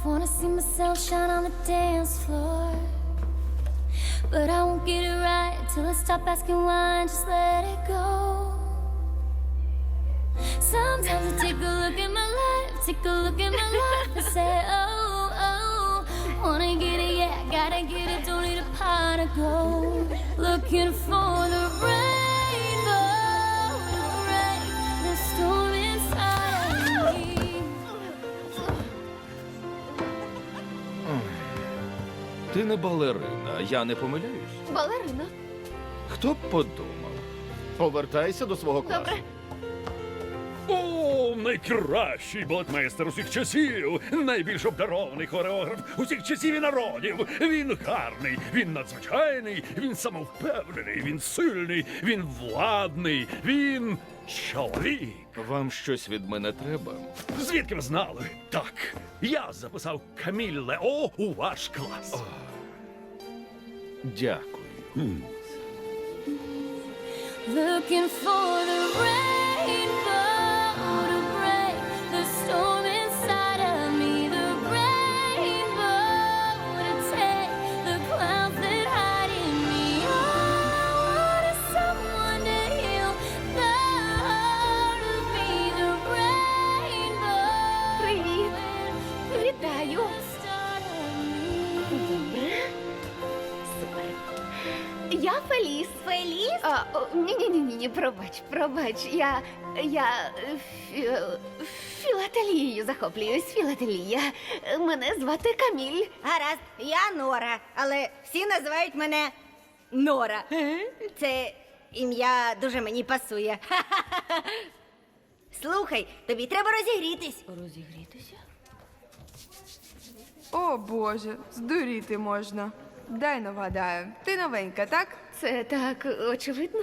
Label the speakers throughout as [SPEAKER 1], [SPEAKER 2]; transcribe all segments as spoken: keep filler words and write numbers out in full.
[SPEAKER 1] wanna see myself shine on the dance floor. But I won't get it right till I stop asking why and just let it go. Sometimes I take a look at my life, take a look at my life and say, oh, oh, wanna get it, yeah, gotta get it, don't need a pot of gold. Looking for the rainbow, the rain, the storm inside of me.
[SPEAKER 2] Ти не балерина, я не помиляюсь.
[SPEAKER 3] Балерина.
[SPEAKER 2] Хто б подумав?
[SPEAKER 4] Повертайся до свого класу.
[SPEAKER 3] Добре.
[SPEAKER 5] О, найкращий балетмейстер усіх часів, найбільш обдарований хореограф усіх часів і народів. Він гарний, він надзвичайний, він самовпевнений, він сильний, він владний, він чоловік.
[SPEAKER 2] Вам щось від мене треба?
[SPEAKER 5] Звідки ви знали? Так, я записав Каміль Лео у ваш клас.
[SPEAKER 2] Дякую.
[SPEAKER 1] Looking for the rainbow to break the storm inside of me. The rainbow to take the clouds that hide in me. I wanted someone to heal the heart of me. The rainbow.
[SPEAKER 3] Привіт. Вітаю.
[SPEAKER 1] Start of me.
[SPEAKER 3] Добре. Супер. Я Феліс. Феліс? А, ні-ні-ні, пробач, пробач. Я, я е, фі, філателією захоплююсь. Філателія. Мене звати Каміль.
[SPEAKER 6] Гаразд, я Нора, але всі називають мене Нора. Це ім'я дуже мені пасує. Слухай, тобі треба розігрітись.
[SPEAKER 3] Розігрітися?
[SPEAKER 7] О, Боже, здуріти можна. Дай нагадаю, ти новенька, так?
[SPEAKER 3] Це так очевидно.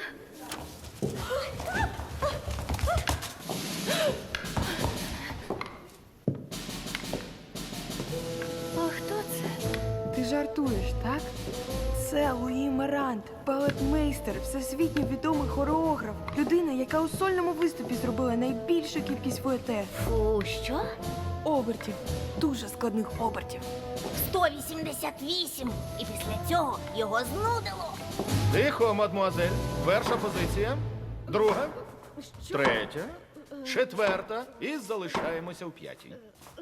[SPEAKER 3] А хто це?
[SPEAKER 7] Ти жартуєш, так? Це Луї Марант, балетмейстер, всесвітньо відомий хореограф, людина, яка у сольному виступі зробила найбільшу кількість фуете.
[SPEAKER 6] Фу, що?
[SPEAKER 7] Обертів, дуже складних обертів.
[SPEAKER 6] сто вісімдесят вісім. І після цього його знудило.
[SPEAKER 4] Тихо, мадмуазель. Перша позиція. Друга. Третя. Четверта. І залишаємося в п'ятій.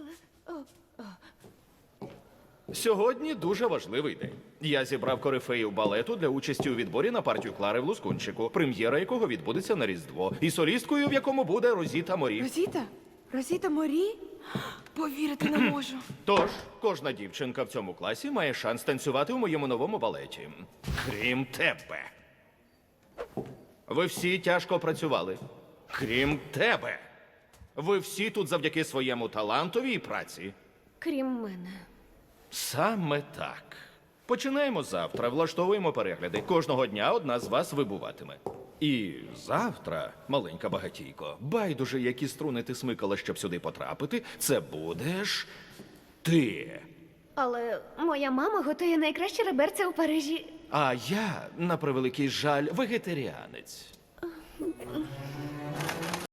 [SPEAKER 4] Сьогодні дуже важливий день. Я зібрав корифеїв балету для участі у відборі на партію Клари в Лускунчику, прем'єра якого відбудеться на Різдво, і солісткою, в якому буде Розіта Морі.
[SPEAKER 7] Розіта? Розіта Морі? Повірити не можу.
[SPEAKER 4] Тож, кожна дівчинка в цьому класі має шанс танцювати у моєму новому балеті. Крім тебе. Ви всі тяжко працювали. Крім тебе. Ви всі тут завдяки своєму талантові і праці.
[SPEAKER 3] Крім мене.
[SPEAKER 4] Саме так. Починаємо завтра, влаштовуємо перегляди. Кожного дня одна з вас вибуватиме. І завтра, маленька багатійко, байдуже, які струни ти смикала, щоб сюди потрапити, це будеш ти.
[SPEAKER 3] Але моя мама готує найкраще реберце у Парижі.
[SPEAKER 4] А я, на превеликий жаль, вегетаріанець.